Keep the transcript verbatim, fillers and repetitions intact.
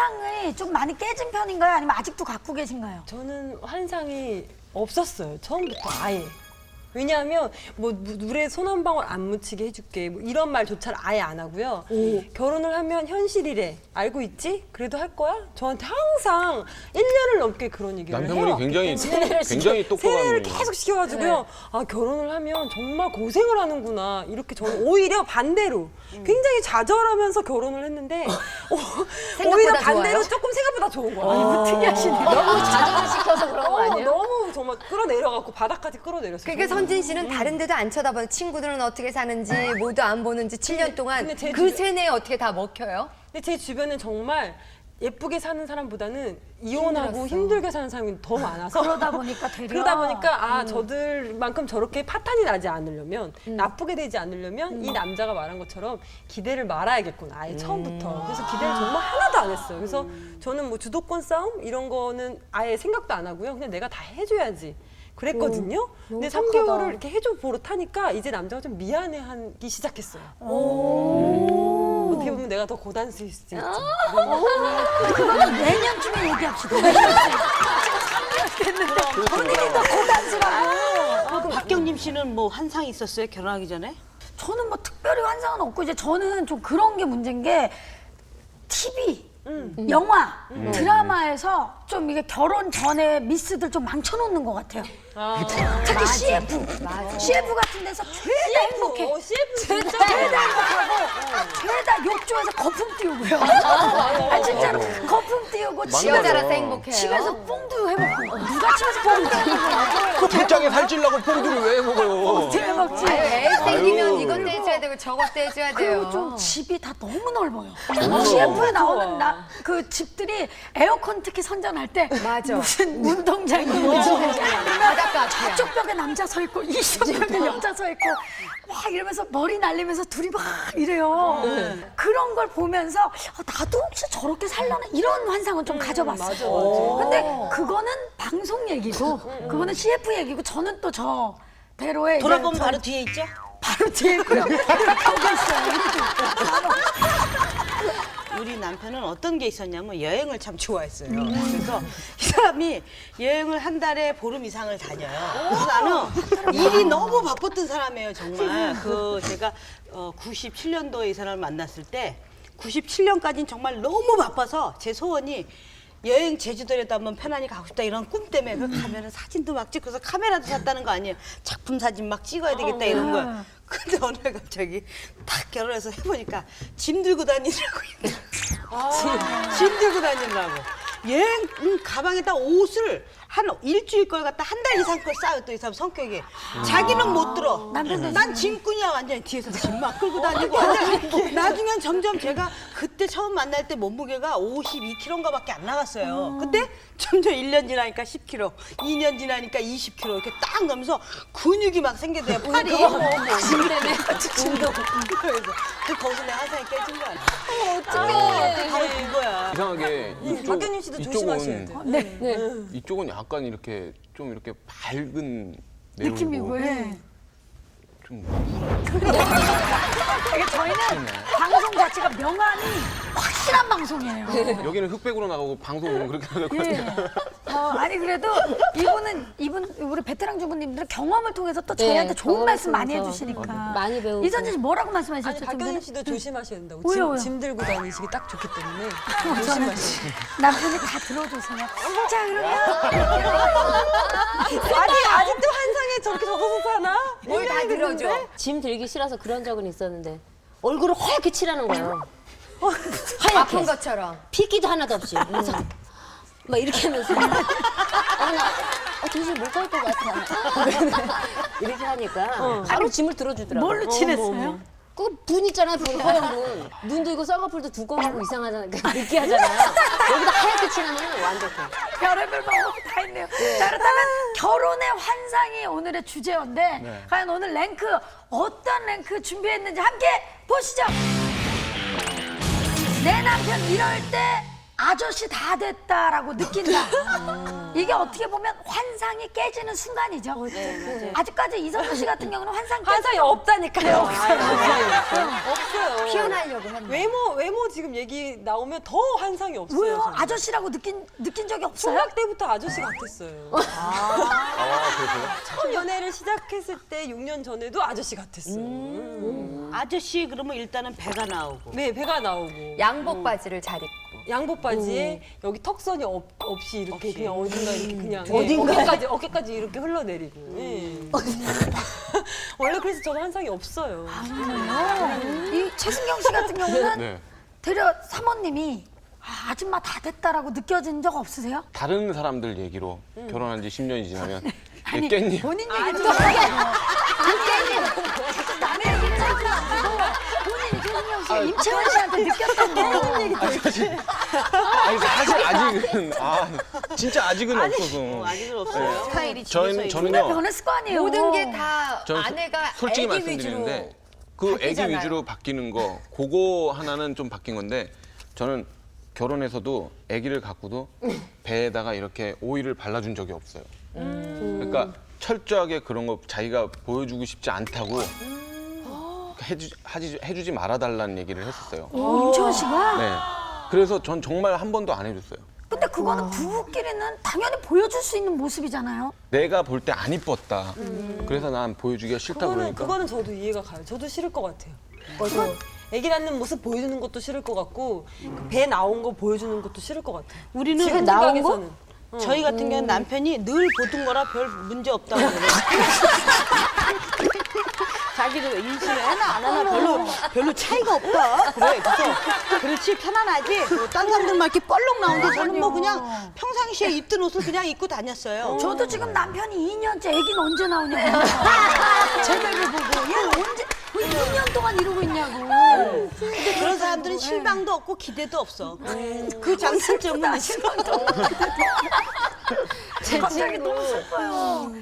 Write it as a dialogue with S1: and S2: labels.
S1: 환상이 좀 많이 깨진 편인가요? 아니면 아직도 갖고 계신가요?
S2: 저는 환상이 없었어요. 처음부터 아예. 왜냐하면 뭐 물에 손 한 방울 안 묻히게 해줄게 뭐 이런 말조차를 아예 안 하고요. 오. 결혼을 하면 현실이래. 알고 있지? 그래도 할 거야? 저한테 항상 일 년을 넘게 그런 얘기를
S3: 남편분이
S2: 해요.
S3: 굉장히 굉장히 똑똑한
S2: 세례를
S3: 분이에요.
S2: 계속 시켜가지고요. 네. 아 결혼을 하면 정말 고생을 하는구나. 이렇게 저는 오히려 반대로 굉장히 좌절하면서 결혼을 했는데 어, 오히려 반대로 좋아요? 조금 생각보다 좋은 거예요.
S1: 아, 특이하시네요.
S4: 너무 좌절을 시켜서 그런 거
S2: 어,
S4: 아니에요?
S2: 너무 정말 끌어내려갖고 바닥까지 끌어내렸어요.
S5: 그러니까 선진 씨는 다른 데도 안 쳐다봐요. 친구들은 어떻게 사는지 모두 안 보는지 칠 년 동안
S2: 근데 제
S5: 그
S2: 주변-
S5: 세뇌에 어떻게 다 먹혀요?
S2: 근데 제 주변은 정말 예쁘게 사는 사람보다는 이혼하고
S5: 힘들었어.
S2: 힘들게 사는 사람이 더 많아서
S1: 그러다 보니까 되려.
S2: 그러다 보니까 아 저들만큼 저렇게 파탄이 나지 않으려면 나쁘게 되지 않으려면 이 남자가 말한 것처럼 기대를 말아야겠구나 아예 처음부터. 그래서 기대를 정말 하나도 안 했어요. 그래서 저는 뭐 주도권 싸움 이런 거는 아예 생각도 안 하고요. 그냥 내가 다 해줘야지. 그랬거든요. 근데 삼 개월을 이렇게 해줘 보릇하니까 이제 남자가 좀 미안해하기 시작했어요. 어떻게 보면 내가 더 고단수일 수도 있죠.
S1: 그거는 내년쯤에 얘기합시다. 됐는데 본인이 더 고단수라고.
S6: 박경림 씨는 뭐 환상이 있었어요? 결혼하기 전에?
S1: 저는 뭐 특별히 환상은 없고 이제 저는 좀 그런 게 문제인 게 티비, 영화, 드라마에서 좀 이게 결혼 전에 미스들 좀 망쳐놓는 것 같아요. 특히 씨에프, 씨에프 같은 데서 죄다 행복해.
S2: 어, 씨에프 진짜
S1: 죄다 행복하고 죄다 욕조에서 거품 띄우고요. 아 진짜로 거품 띄우고 집에서
S5: 여자라서 행복해요.
S1: 집에서 뽕도 해먹고 누가 집에서 뽕도 해먹고
S3: 그 복장에 살찌려고 뽕두를 왜 먹어요?
S1: 어떻게 먹지?
S5: 아유, 애 생기면
S3: 아유.
S5: 이것도 해줘야 되고 저것도 해줘야 돼요.
S1: 그리고 좀 집이 다 너무 넓어요. 씨에프에 나오는 나, 그 집들이 에어컨 특히 선전할 때
S5: 맞아.
S1: 무슨 운동장이 뭐지?
S5: 바닷가 앞이야.
S1: 저쪽 벽에 남자 서 있고 이쪽 벽에 여자 서 있고 막 이러면서 머리 날리면서 둘이 막 이래요. 그런 걸 보면서 아, 나도 혹시 저렇게 살려나 이런 환상은 좀 가져봤어요. 근데 그거는 방송 얘기고 그거는 씨에프 얘기고 저는 또 저 대로에 이제
S6: 돌아보면
S1: 저-
S6: 바로 뒤에 있죠?
S1: 바로 뒤에 있고요. 거기 있어요.
S6: 우리 남편은 어떤 게 있었냐면 여행을 참 좋아했어요. 그래서 이 사람이 여행을 한 달에 보름 이상을 다녀요. 그래서 나는 일이 너무 바빴던 사람이에요, 정말. 그 제가 어, 구십칠 년도에 이 사람을 만났을 때 구십칠 년까지는 정말 너무 바빠서 제 소원이 여행 제주도에도 한번 편안히 가고 싶다 이런 꿈 때문에 그 가면은 사진도 막 찍고서 카메라도 샀다는 거 아니에요. 작품 사진 막 찍어야 되겠다 이런 거야. 근데 어느 날 갑자기 딱 결혼해서 해보니까 짐 들고 다니라고 짐, 짐 들고 다니라고 여행 음, 가방에다 옷을 한 일주일 걸 갖다 한 달 이상 걸 싸요. 또 이 사람 성격이 자기는 못 들어. 난 짐꾼이야 완전히. 뒤에서 짐만 끌고 다니고 완전. 나중엔 점점 제가 그때 처음 만날 때 몸무게가 오십이 킬로그램인가밖에 안 나갔어요. 근데 점점 일 년 지나니까 십 킬로그램, 이 년 지나니까 이십 킬로그램 이렇게 딱 넘으면서 근육이 막 생겨돼요. 팔이. 짐 때문에. 짐도. 그래서 그 거기서 내 환상이 깨진 거야. 어떡해. 바로 그거야.
S3: 이상하게 이쪽,
S2: 박경림 씨도 조심하셔야
S3: 이쪽은
S2: 돼요.
S1: 네.
S3: 이쪽은 약간 이렇게 좀 이렇게 밝은 내용이고
S1: 느낌이고, 예.
S3: 좀
S1: 이게 저희는 방송 자체가 명안이 확실한 방송이에요.
S3: 여기는 흑백으로 나가고 방송은 그렇게 나가고
S1: 예. 어, 아니 그래도 이분은 이분 우리 베테랑 주부님들은 경험을 통해서 또
S4: 네,
S1: 저희한테 좋은
S4: 경험을
S1: 말씀 많이
S4: 통해서
S1: 해주시니까.
S4: 많이 배우고.
S1: 이선진 씨 뭐라고
S2: 아니
S1: 말씀하셨죠? 좀
S2: 박경림
S1: 전에?
S2: 씨도 조심하셔야 된다고.
S1: 왜요,
S2: 짐,
S1: 왜요?
S2: 짐 들고 다니시기 딱 좋기 때문에
S1: 저는
S2: 조심하시고.
S1: 남편이 다 들어줘서요. 자 그러면
S2: 아니 아직도 환상에 저렇게 적어서 사나?
S5: 뭘 다 들어줘.
S4: 짐 들기 싫어서 그런 적은 있었는데 얼굴을 허옇게 칠하는 거예요. 하얗게.
S5: 아픈 것처럼.
S4: 핏기도 하나도 없이. 그래서 막 이렇게 하면서 어, 나 어, 도저히 못 갈 것 같아. 이렇게 하니까 바로 짐을 들어주더라고요.
S1: 뭘로 칠했어요?
S4: 그 분 있잖아요, 분, 허연 분. 눈도 이거 쌍꺼풀도 두꺼우고 이상하잖아요. 그 느끼하잖아요. 여기다 하얗게 칠하면 완벽해.
S1: 별의별 방법이 다 있네요. 자 그렇다면 결혼의 환상이 오늘의 주제였는데
S3: 네.
S1: 과연 오늘 랭크 어떤 랭크 준비했는지 함께 보시죠. 내 남편 이럴 때 아저씨 다 됐다라고 느낀다. 이게 어떻게 보면 환상이 깨지는 순간이죠. 아직까지 이선우 씨 같은 경우는 환상 깨
S2: 환상이 없다니까요. 없어요.
S5: 피어나려고 했네.
S2: 외모 외모 지금 얘기 나오면 더 환상이 없어요.
S1: 왜요?
S2: 저는.
S1: 아저씨라고 느낀 느낀 적이 없어요?
S2: 총각 때부터 아저씨 같았어요.
S3: 아, 그러세요?
S2: 처음 연애를 시작했을 때 육 년 전에도 아저씨 같았어요. 음.
S6: 아저씨 그러면 일단은 배가 나오고.
S2: 네, 배가 나오고
S5: 양복 바지를 잘 입고.
S2: 양복 바지에 여기 턱선이 없, 없이 이렇게 그냥 어딘가 이렇게 그냥
S6: 어딘가에?
S2: 어깨까지 어깨까지 이렇게 흘러내리고. 예. 원래 그래서 저는 환상이 없어요.
S1: 이 최승경 씨 같은 경우는
S3: 네.
S1: 되려 사모님이 아, 아줌마 다 됐다라고 느껴진 적 없으세요?
S3: 다른 사람들 얘기로 결혼한 지 십 년이 지나면
S1: 아니
S3: 깻잎
S1: 본인 얘기도 하게 깻잎 남의 얘기는 하지 마시고 본인 최승경 씨가 임채원 씨한테 느꼈던 거 얘기
S3: 아니 사실 아직은 아 진짜 아직은 없어서
S6: 어, 아직은 없어요. 스타일이
S3: 저희는
S6: 집에서
S3: 저는요
S1: 변했을 거 아니에요.
S5: 모든 게 다
S3: 저는 소-
S5: 아내가
S3: 솔직히
S5: 애기 위주로.
S3: 말씀드리는데 그 애기
S5: 바뀌잖아요.
S3: 위주로 바뀌는 거 그거 하나는 좀 바뀐 건데 저는 결혼해서도 아기를 갖고도 배에다가 이렇게 오일을 발라준 적이 없어요. 그러니까 철저하게 그런 거 자기가 보여주고 싶지 않다고 해주, 하지, 해주지 말아달라는 얘기를 했었어요.
S1: 오, 임채원 씨가?
S3: 네. 그래서 전 정말 한 번도 안 해줬어요.
S1: 근데 그거는 부부끼리는 당연히 보여줄 수 있는 모습이잖아요.
S3: 내가 볼 때 안 이뻤다. 그래서 난 보여주기가 싫다
S2: 그거는
S3: 그러니까.
S2: 그거는 저도 이해가 가요. 저도 싫을 것 같아요. 맞아. 아기 낳는 모습 보여주는 것도 싫을 것 같고 그배 나온 거 보여주는 것도 싫을 것 같아요.
S6: 우리는
S2: 지금
S6: 나온 거?
S2: 생각에서는.
S6: 저희 같은 경우는 남편이 늘 보던 거라 별 문제 없다고 그래요. 자기도 임신하나 안 하나 별로 별로 차이가 없다. 그래. 그래서 그렇지 편안하지. 뭐 딴 사람들만 이렇게 뻘록 나오는데 저는 뭐 그냥 평상시에 입던 옷을 그냥 입고 다녔어요.
S1: 저도 지금 남편이 이 년째 애기는 언제 나오냐고 제배를 보고 얘는 언제 왜 이 년 동안 이러고 있냐고.
S6: 근데 그런 사람들은 실망도 없고 기대도 없어. 그
S1: 슬프다,
S6: 장단점은 있어.
S1: 실망도. 갑자기 너무 슬퍼요.